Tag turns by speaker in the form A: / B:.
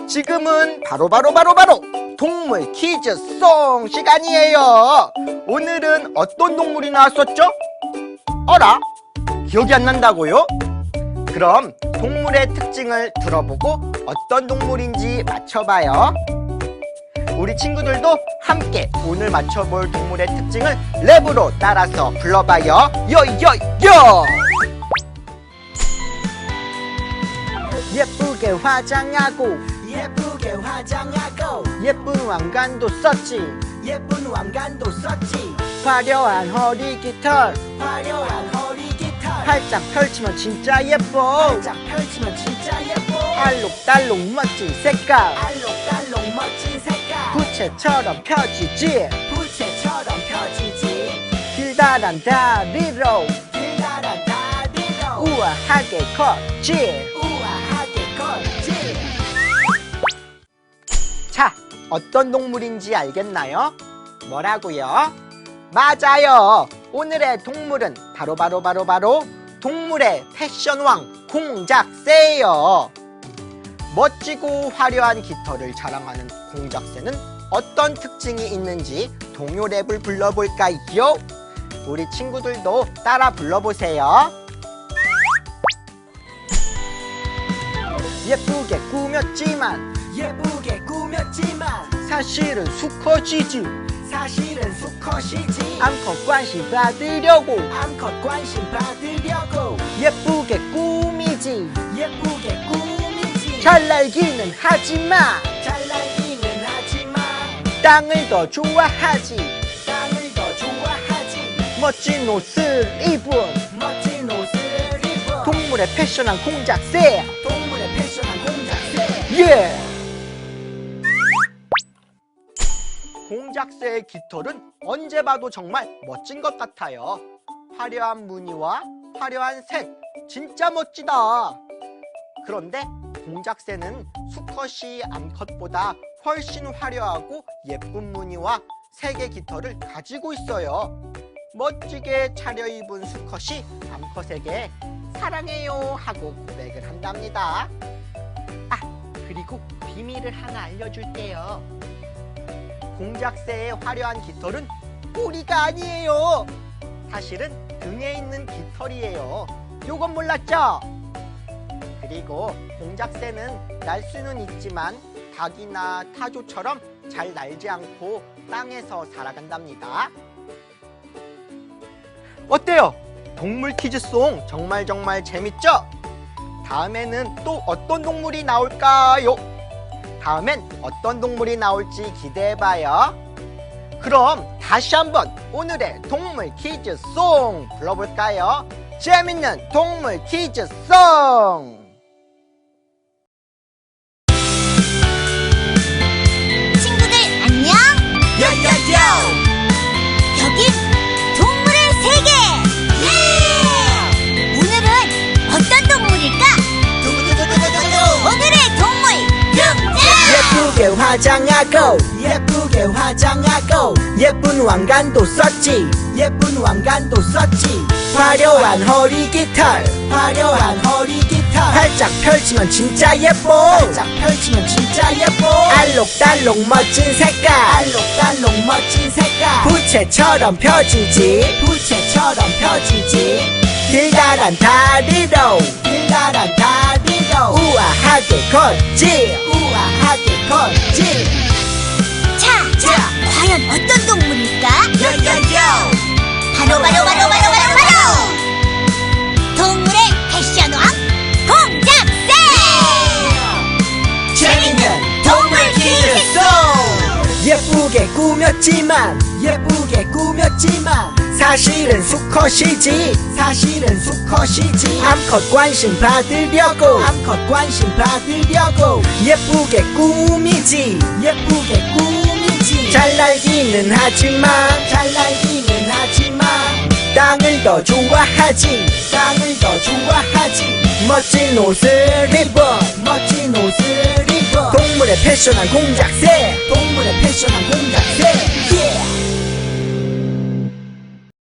A: 지금은 바로 동물 퀴즈 송 시간이에요. 오늘은 어떤 동물이 나왔었죠? 어라? 기억이 안 난다고요? 그럼 동물의 특징을 들어보고 어떤 동물인지 맞춰봐요. 우리 친구들도 함께 오늘 맞춰볼 동물의 특징을 랩으로 따라서 불러봐요. 요요요! 예쁘게 화장하고 예쁜 왕관도 썼지 화려한 허리 깃털 활짝 펼치면 진짜 예뻐 알록달록 멋진 색깔 부채처럼 펴지지 길다란 다리로 우아하게 걷지. 자, 어떤 동물인지 알겠나요? 뭐라고요? 맞아요! 오늘의 동물은 바로 동물의 패션왕 공작새예요. 멋지고 화려한 깃털을 자랑하는 공작새는 어떤 특징이 있는지 동요 랩을 불러볼까요? 우리 친구들도 따라 불러보세요. 예쁘게 꾸몄지만 사실은 수컷이지 암컷 관심 받으려고 예쁘게 꾸미지 잘 날기는 하지마 땅을 더 좋아하지 멋진 옷을 입은 동물의 패션한 공작새 예! 공작새의 깃털은 언제 봐도 정말 멋진 것 같아요. 화려한 무늬와 화려한 색, 진짜 멋지다. 그런데 공작새는 수컷이 암컷보다 훨씬 화려하고 예쁜 무늬와 색의 깃털을 가지고 있어요. 멋지게 차려입은 수컷이 암컷에게 사랑해요 하고 고백을 한답니다. 아, 그리고 비밀을 하나 알려줄게요. 공작새의 화려한 깃털은 꼬리가 아니에요. 사실은 등에 있는 깃털이에요. 요건 몰랐죠? 그리고 공작새는 날 수는 있지만 닭이나 타조처럼 잘 날지 않고 땅에서 살아간답니다. 어때요? 동물 퀴즈송 정말 재밌죠? 다음에는 또 어떤 동물이 나올까요? 다음엔 어떤 동물이 나올지 기대해봐요. 그럼 다시 한번 오늘의 동물 퀴즈송 불러볼까요? 재밌는 동물 퀴즈송!
B: 친구들 안녕!
A: 요요요!
B: 여긴 동물의 세계! 예! 오늘은 어떤 동물일까? 오늘의 동물
A: 예쁘게 화장하고 예쁜 왕관도 썼지 화려한 허리 깃털 활짝 펼치면 진짜 예뻐 알록달록 멋진 색깔 부채처럼 펴지지 길다란 다리로 우아하게 걷지
B: 자, 과연 어떤 동물일까? 바로 동물의 패션왕 공작새!
A: 재밌는 동물 퀴즈송! 예쁘게 꾸몄지만 사실은 수컷이지 암컷 관심 받으려고 예쁘게 꾸미지 잘 날기는 하지만 땅을 더 좋아하지 멋진 옷을 입어 동물의 패션한 공작새